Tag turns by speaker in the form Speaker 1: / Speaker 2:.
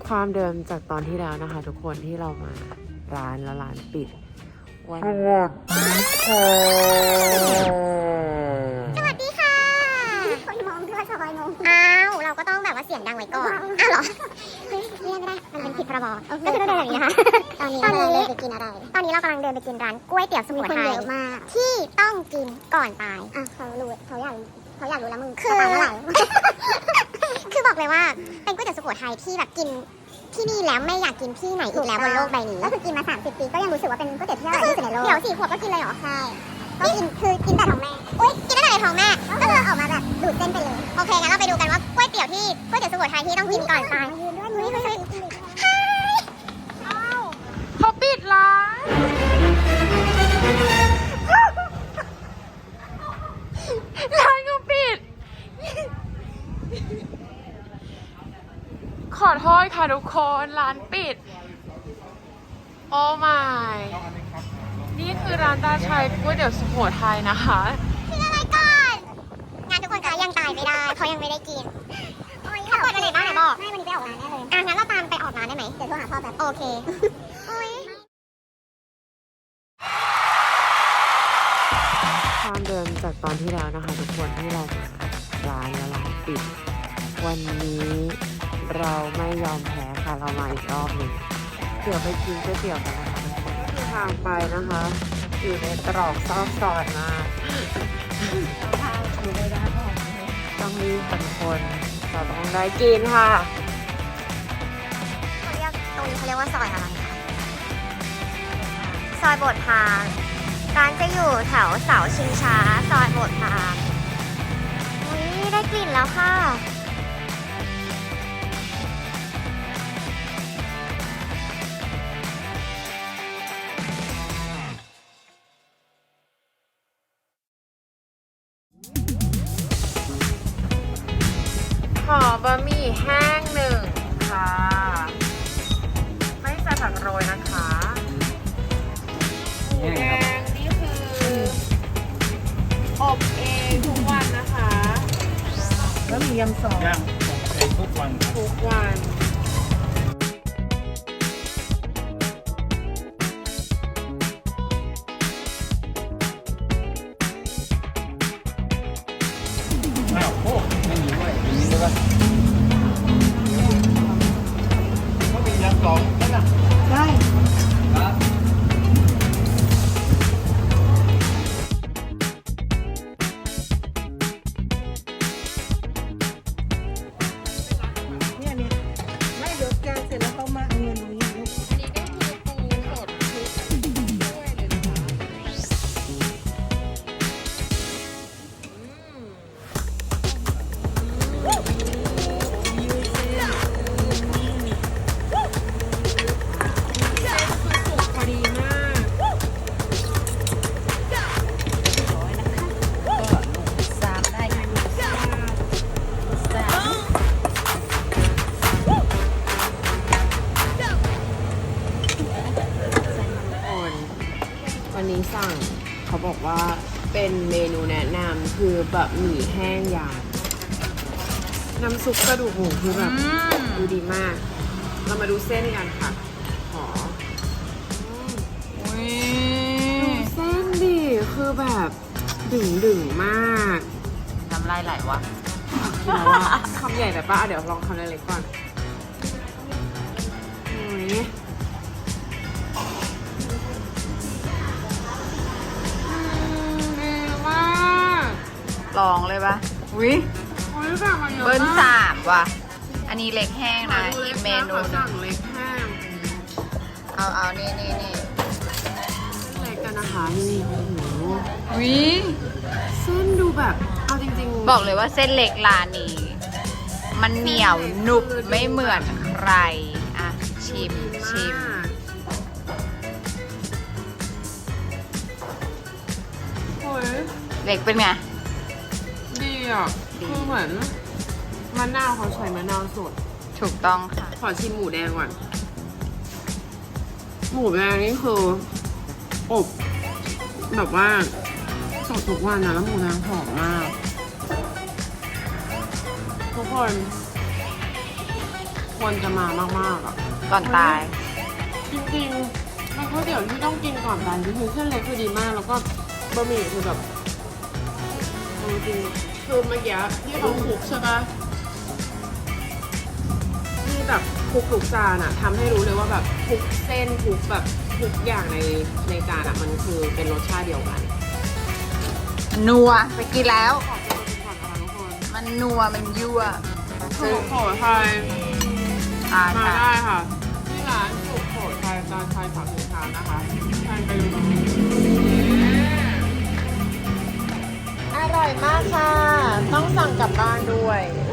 Speaker 1: ความเดิมจากตอนที่แล้วนะคะทุกคนที่เรามาร้านแล้วร้านปิดวัน
Speaker 2: สวัสดีค่ะคนมองด้วยสบายมองอ้าวเราก็ต้องแบบว่าเสียงดังไว้ก่อนอ้าวเหรอเฮ้ยเรียกไม่ได้มันเป็นผิดพรบก็คือต้องเดินอย่างนี้นะคะตอนนี้เราเดินไปกินอะไรตอนนี้เรากำลังเดินไปกินร้านก๋วยเตี๋ยวสุโขทัยที่ต้องกินก่อนตายอ่ะเขารู้เขาอยากรู้แล้วมึงคือตายเมื่อไหร่คือบอกเลยว่าเป็นก๋วยเตี๋ยวสุโขทัยที่แบบกินที่นี่แล้วไม่อยากกินที่ไหนอีกแล้วบนโลกใบนี้ก็คือกินมา30 ปีก็ยังรู้สึกว่าเป็นก๋วยเตี๋ยวที่อร่อยที่สุดในโลกเดี๋ยว4 ขวบก็กินเลยเหรอใช่ก็กินคือกินแต่ท้องแม่อุ้ยกินได้แต่ในท้องแม่ก็คือออกมาแบบดูดเส้นไปเลยโอเคงั้นเราไปดูกันว่าก๋วยเตี๋ยวสุโขทัยที่ต้องกินก่อนตายเฮ้ย
Speaker 1: เขาปิดร้านร้านเขาปิดขอโทษค่ะทุกคนร้านปิดโอ้ my นี่คือร้านตาชัยก๋วยเตี๋ยวสุโขทัยนะคะ
Speaker 2: กินอะไรก่อนงานทุกคนคะยังตายไม่ได้เขายังไม่ได้กินเขาเปิดวันไหนบ้างไหนบอกไม่วันนี้ไปออกร้านแน่เลยงั้นเราตามไปออกร้านได้ไหมเดี๋ยวโทรหาพ่อแบบโอเค
Speaker 1: ความเดิมจากตอนที่แล้วนะคะทุกคนที่เรามาร้านแล้วร้านปิดวันนี้เราไม่ยอมแพ้ค่ะเรามาอีกรอบหนึ่งเดี๋ยวไปกินก๋วยเตี๋ยวกันนะคะทุกคนที่ทางไปนะคะอยู่ในตรอกซอกซอยมากต้องรีบกันคนเราต้องได้กินค่ะ
Speaker 2: ตรงนี้เขาเรียกว่าซอยอะไรคะซอยโบสถ์พราหมณ์ร้านจะอยู่แถวเสาชิงช้าซอยโบสถ์พราหมณ์อุ๊ยได้กลิ่นแล้วค่ะ
Speaker 1: ขอบะหมี่แห้งหนึ่งค่ะไม่ใส่ผักโรยนะคะหมูแดงนี่คืออบเองทุกวันนะคะแล้วมียำซอส
Speaker 3: ย่างเองทุกวันครับ
Speaker 1: ทุกวัน
Speaker 3: อ้าวโอ้ไม่มีด้วยอย่างนี้ได้ปะก็มียำสองนั่นน่ะได้ครับ
Speaker 4: เนี่ยไม่เดี๋ยวแกงเสร็จแล้วเขามาเอาเงินตรงนี้ลูก
Speaker 1: อันนี้ก็คือปูสดทุกถ้วยเลยนะคะพอดีมากวันนี้สั่งเขาบอกว่าเป็นเมนูแนะนำคือบะหมี่แห้งยางน้ำซุปกระดูกหมูคือแบบดูดีมาก เรามาดูเส้นกันค่ะขอดูเส้นดิคือแบบดึงมากน้ำลายไหลวะคำใหญ่แบบป้าเดี๋ยวลองคำเล็กๆก่อนโอ้ยดีมาก
Speaker 5: ลองเลยปะอุ้ย
Speaker 1: โอ้ยแบบมันเยอะ
Speaker 5: เบิ้ล
Speaker 1: มาก
Speaker 5: 3ว่ะ อันนี้เล็กแห้งนะอีกเมนูหนึ
Speaker 1: สั่
Speaker 5: ง
Speaker 1: งเล็กแห้ง
Speaker 5: เอานี่
Speaker 1: เล็กกันนะคะนี่โอ้โห
Speaker 5: อุ้ย
Speaker 1: เส้นดูแบบเอาจริงๆ
Speaker 5: บอกเลยว่าเส้นเล็กร้านนี้ มันเหนียวหนุบไม่เหมือนใคร อ่ะ ชิม
Speaker 1: โอ้ย
Speaker 5: เล็กเป็นไง
Speaker 1: ดีอ่ะ
Speaker 5: ดี
Speaker 1: คือเหมือนมะนาวเขาใช้มะนาวสด
Speaker 5: ถูกต้องค่ะ
Speaker 1: ขอชิมหมูแดงก่อน หมูแดงนี่คืออบแบบว่าสดทุกวันนะแล้วหมูแดงหอมมาก ทุกคนควรจะมามากๆอ่ะ
Speaker 5: ก่อนตาย
Speaker 1: จริงๆเป็นก๋วยเตี๋ยวที่ต้องกินก่อนตายจริงๆเส้นเล็กคือดีมาก แล้วก็บะหมี่คือแบบเอาจริงๆคือเมื่อกี้ที่เขาคลุกใช่ปะที่แบบคลุกทุกจานอะทำให้รู้เลยว่าแบบทุกเส้นทุกแบบทุกอย่างในจานอะมันคือเป็นรสชาติเดียวกัน
Speaker 5: นัวไปกินแล้ว
Speaker 1: ขอบคุณก่อนนะคะทุกคน
Speaker 5: มันนัว มันยั่ว
Speaker 1: สุโขทัยมาได้ค่ะ ที่ร้านสุโขทัยจานชัยผักสินค้านะคะทานไปดูอร่อยมากค่ะ ต้องสั่งกลับบ้านด้วย